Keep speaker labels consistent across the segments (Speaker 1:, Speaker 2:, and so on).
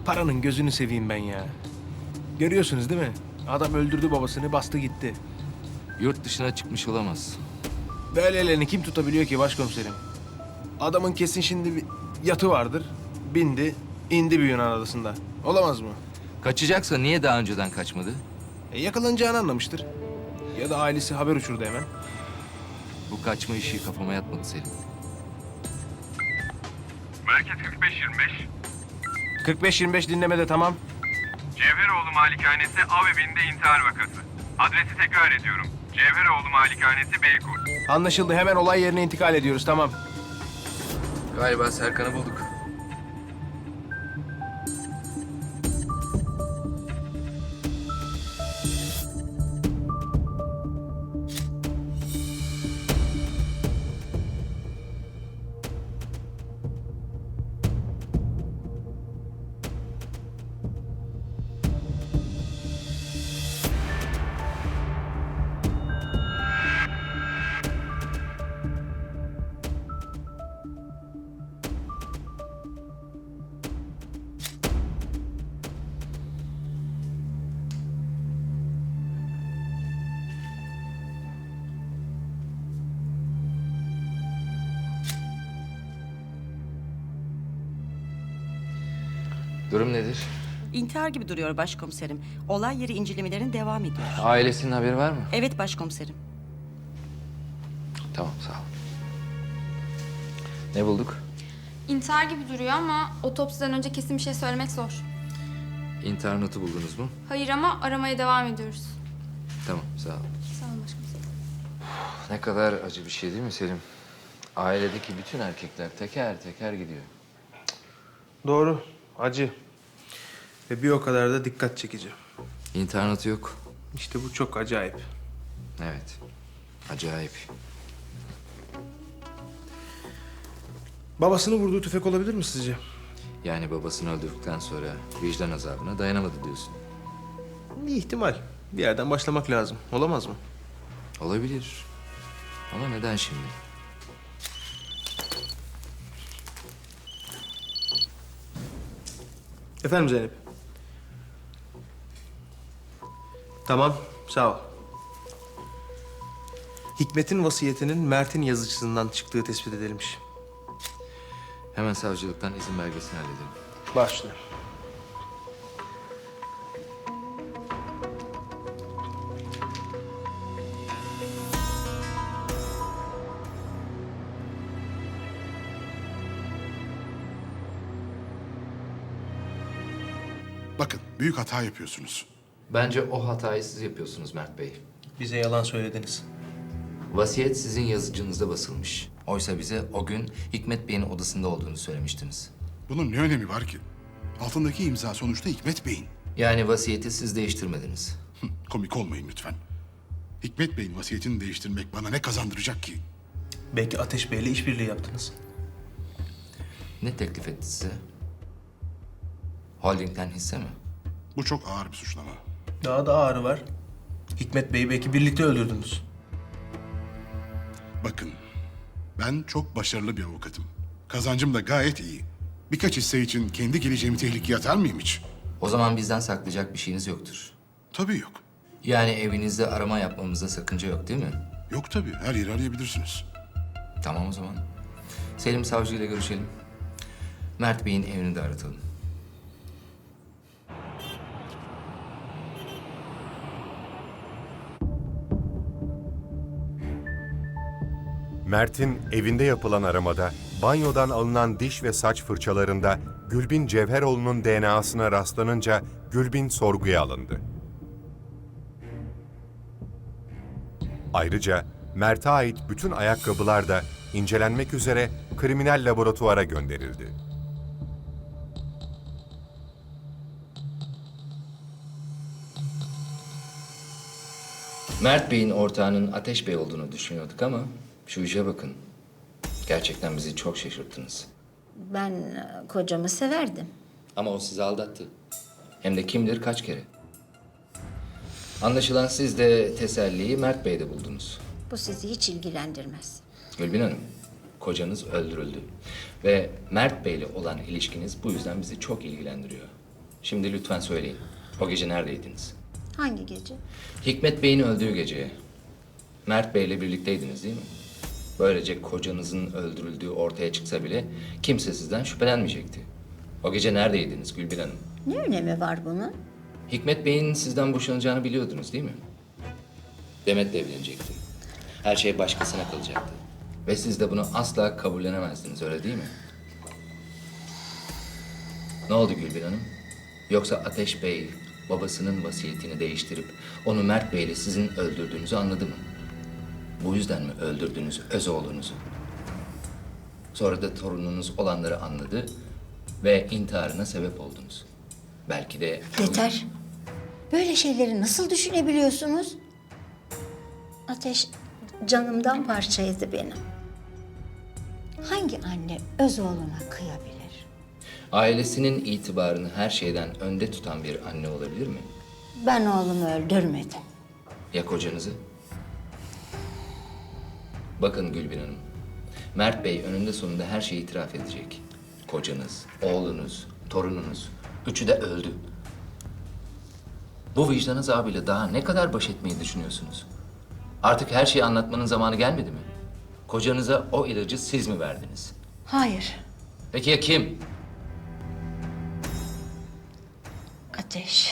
Speaker 1: paranın gözünü seveyim ben ya. Görüyorsunuz değil mi? Adam öldürdü babasını, bastı gitti.
Speaker 2: Yurt dışına çıkmış olamaz.
Speaker 1: Böyle ellerini kim tutabiliyor ki başkomiserim? Adamın kesin şimdi bir yatı vardır. Bindi, indi bir Yunan adasında. Olamaz mı?
Speaker 2: Kaçacaksa niye daha önceden kaçmadı?
Speaker 1: Yakalanacağını anlamıştır. Ya da ailesi haber uçurdu hemen.
Speaker 2: Bu kaçma işi kafama yatmadı Selim.
Speaker 3: Merkez 45-25.
Speaker 1: 45-25 dinlemede tamam.
Speaker 3: Cevheroğlu Malikanesi av evinde intihar vakası. Adresi tekrar ediyorum. Cevheroğlu Malikanesi Beykoz.
Speaker 1: Anlaşıldı. Hemen olay yerine intikal ediyoruz. Tamam.
Speaker 2: Galiba Serkan'ı bulduk. Durum nedir?
Speaker 4: İntihar gibi duruyor başkomiserim. Olay yeri incelemelerin devam ediyor.
Speaker 2: Ailesinin haberi var mı?
Speaker 4: Evet başkomiserim.
Speaker 2: Tamam, sağ ol. Ne bulduk?
Speaker 5: İntihar gibi duruyor ama otopsiden önce kesin bir şey söylemek zor.
Speaker 2: İntihar notu buldunuz mu?
Speaker 5: Hayır ama aramaya devam ediyoruz.
Speaker 2: Tamam, sağ ol.
Speaker 5: Sağ olun başkomiserim.
Speaker 2: Ne kadar acı bir şey değil mi Selim? Ailedeki bütün erkekler teker teker gidiyor.
Speaker 1: Doğru. Acı. Ve bir o kadar da dikkat çekici.
Speaker 2: İntihar notu yok.
Speaker 1: İşte bu çok acayip.
Speaker 2: Evet, acayip.
Speaker 1: Babasını vurduğu tüfek olabilir mi sizce?
Speaker 2: Yani babasını öldürdükten sonra vicdan azabına dayanamadı diyorsun.
Speaker 1: Bir ihtimal. Bir yerden başlamak lazım. Olamaz mı?
Speaker 2: Olabilir. Ama neden şimdi?
Speaker 1: Efendim Zeynep? Tamam, sağ ol. Hikmet'in vasiyetinin Mert'in yazıcısından çıktığı tespit edilmiş.
Speaker 2: Hemen savcılıktan izin belgesini halledelim.
Speaker 1: Başla.
Speaker 6: Bakın, büyük hata yapıyorsunuz.
Speaker 2: Bence o hatayı siz yapıyorsunuz Mert Bey.
Speaker 1: Bize yalan söylediniz.
Speaker 2: Vasiyet sizin yazıcınızda basılmış. Oysa bize o gün Hikmet Bey'in odasında olduğunu söylemiştiniz.
Speaker 6: Bunun ne önemi var ki? Altındaki imza sonuçta Hikmet Bey'in.
Speaker 2: Yani vasiyeti siz değiştirmediniz.
Speaker 6: Komik olmayın lütfen. Hikmet Bey'in vasiyetini değiştirmek bana ne kazandıracak ki?
Speaker 1: Belki Ateş Bey'le işbirliği yaptınız.
Speaker 2: Ne teklif etti size? Holding'den hisse mi?
Speaker 6: Bu çok ağır bir suçlama.
Speaker 1: Daha da ağrı var. Hikmet Bey'i belki birlikte öldürdünüz.
Speaker 6: Bakın, ben çok başarılı bir avukatım. Kazancım da gayet iyi. Birkaç hisse için kendi geleceğimi tehlikeye atar mıyım hiç?
Speaker 2: O zaman bizden saklayacak bir şeyiniz yoktur.
Speaker 6: Tabii yok.
Speaker 2: Yani evinizde arama yapmamızda sakınca yok değil mi?
Speaker 6: Yok tabii, her yeri arayabilirsiniz.
Speaker 2: Tamam o zaman. Selim savcıyla görüşelim. Mert Bey'in evini de aratalım.
Speaker 7: Mert'in evinde yapılan aramada banyodan alınan diş ve saç fırçalarında Gülbin Cevheroğlu'nun DNA'sına rastlanınca Gülbin sorguya alındı. Ayrıca Mert'e ait bütün ayakkabılar da incelenmek üzere kriminal laboratuvara gönderildi.
Speaker 2: Mert Bey'in ortağının Ateş Bey olduğunu düşünüyorduk ama şu işe bakın. Gerçekten bizi çok şaşırttınız.
Speaker 8: Ben kocamı severdim.
Speaker 2: Ama o sizi aldattı. Hem de kim bilir kaç kere. Anlaşılan siz de teselliyi Mert Bey'de buldunuz.
Speaker 8: Bu sizi hiç ilgilendirmez.
Speaker 2: Gülbin Hanım, kocanız öldürüldü. Ve Mert Bey'le olan ilişkiniz bu yüzden bizi çok ilgilendiriyor. Şimdi lütfen söyleyin. O gece neredeydiniz?
Speaker 8: Hangi gece?
Speaker 2: Hikmet Bey'in öldüğü gece Mert Bey'le birlikteydiniz değil mi? Böylece kocanızın öldürüldüğü ortaya çıksa bile kimse sizden şüphelenmeyecekti. O gece neredeydiniz Gülbin Hanım?
Speaker 8: Ne önemi var bunun?
Speaker 2: Hikmet Bey'in sizden boşanacağını biliyordunuz değil mi? Demet'le evlenecekti. Her şey başkasına kalacaktı. Ve siz de bunu asla kabullenemezdiniz, öyle değil mi? Ne oldu Gülbin Hanım? Yoksa Ateş Bey babasının vasiyetini değiştirip onu Mert Bey'le sizin öldürdüğünüzü anladı mı? Bu yüzden mi öldürdünüz öz oğlunuzu? Sonra da torununuz olanları anladı ve intiharına sebep oldunuz. Belki de...
Speaker 8: Yeter. Böyle şeyleri nasıl düşünebiliyorsunuz? Ateş canımdan parçaydı benim. Hangi anne öz oğluna kıyabilir?
Speaker 2: Ailesinin itibarını her şeyden önde tutan bir anne olabilir mi?
Speaker 8: Ben oğlumu öldürmedim.
Speaker 2: Ya kocanızı? Bakın Gülbin Hanım, Mert Bey önünde sonunda her şeyi itiraf edecek. Kocanız, oğlunuz, torununuz, üçü de öldü. Bu vicdan azabıyla daha ne kadar baş etmeyi düşünüyorsunuz? Artık her şeyi anlatmanın zamanı gelmedi mi? Kocanıza o ilacı siz mi verdiniz?
Speaker 8: Hayır.
Speaker 2: Peki ya kim?
Speaker 8: Ateş.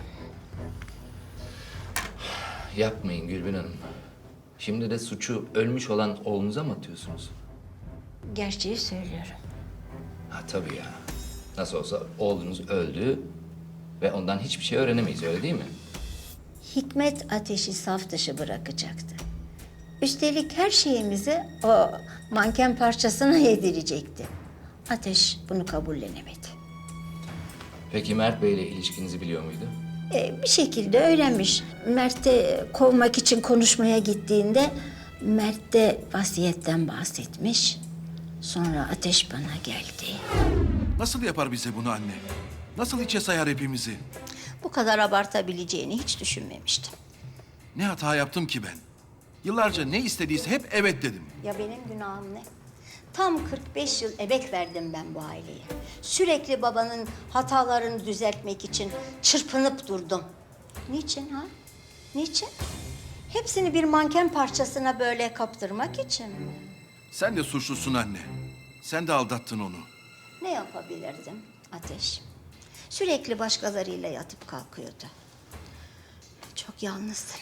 Speaker 2: Yapmayın Gülbin Hanım. Şimdi de suçu ölmüş olan oğlunuza mı atıyorsunuz?
Speaker 8: Gerçeği söylüyorum.
Speaker 2: Ha tabii ya. Nasıl olsa oğlunuz öldü ve ondan hiçbir şey öğrenemeyiz, öyle değil mi?
Speaker 8: Hikmet Ateş'i saf dışı bırakacaktı. Üstelik her şeyimizi o manken parçasına yedirecekti. Ateş bunu kabullenemedi.
Speaker 2: Peki Mert Bey'le ilişkinizi biliyor muydu?
Speaker 8: Bir şekilde öğrenmiş. Mert'e kovmak için konuşmaya gittiğinde Mert de vasiyetten bahsetmiş. Sonra Ateş bana geldi.
Speaker 9: Nasıl yapar bize bunu anne? Nasıl içe sayar hepimizi?
Speaker 8: Bu kadar abartabileceğini hiç düşünmemiştim.
Speaker 9: Ne hata yaptım ki ben? Yıllarca ne istediyse hep evet dedim.
Speaker 8: Ya benim günahım ne? Tam 45 yıl emek verdim ben bu aileye. Sürekli babanın hatalarını düzeltmek için çırpınıp durdum. Niçin ha? Niçin? Hepsini bir manken parçasına böyle kaptırmak için mi?
Speaker 9: Sen de suçlusun anne. Sen de aldattın onu.
Speaker 8: Ne yapabilirdim Ateş? Sürekli başkalarıyla yatıp kalkıyordu. Çok yalnızdım.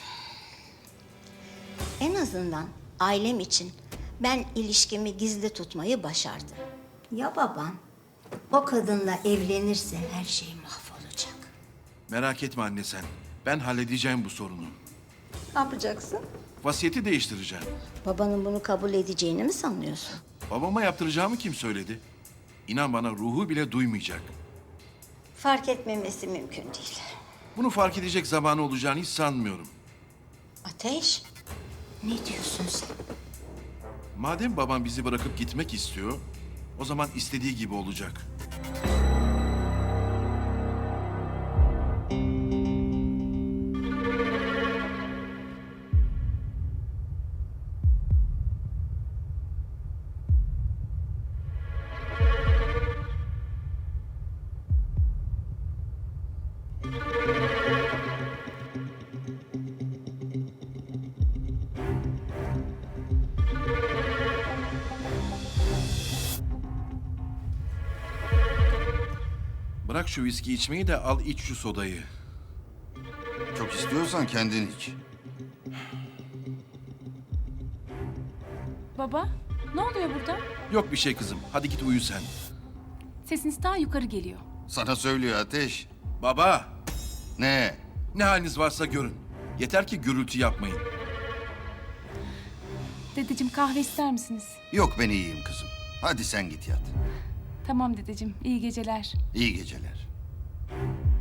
Speaker 8: En azından ailem için ben ilişkimi gizli tutmayı başardım. Ya babam o kadınla evlenirse her şey mahvolacak.
Speaker 9: Merak etme anne sen. Ben halledeceğim bu sorunu.
Speaker 8: Ne yapacaksın?
Speaker 9: Vasiyeti değiştireceğim.
Speaker 8: Babanın bunu kabul edeceğini mi sanıyorsun?
Speaker 9: Babama yaptıracağımı kim söyledi? İnan bana ruhu bile duymayacak.
Speaker 8: Fark etmemesi mümkün değil.
Speaker 9: Bunu fark edecek zamanı olacağını hiç sanmıyorum.
Speaker 8: Ateş, ne diyorsun sen?
Speaker 9: Madem babam bizi bırakıp gitmek istiyor, o zaman istediği gibi olacak. Bırak şu viski içmeyi de al iç şu sodayı.
Speaker 10: Çok istiyorsan kendin iç.
Speaker 11: Baba, ne oluyor burada?
Speaker 9: Yok bir şey kızım. Hadi git uyu sen.
Speaker 11: Sesiniz daha yukarı geliyor.
Speaker 10: Sana söylüyor Ateş.
Speaker 9: Baba,
Speaker 10: Ne?
Speaker 9: ne haliniz varsa görün. Yeter ki gürültü yapmayın.
Speaker 11: Dedeciğim kahve ister misiniz?
Speaker 10: Yok ben iyiyim kızım. Hadi sen git yat.
Speaker 11: Tamam dedeciğim, iyi geceler.
Speaker 10: İyi geceler.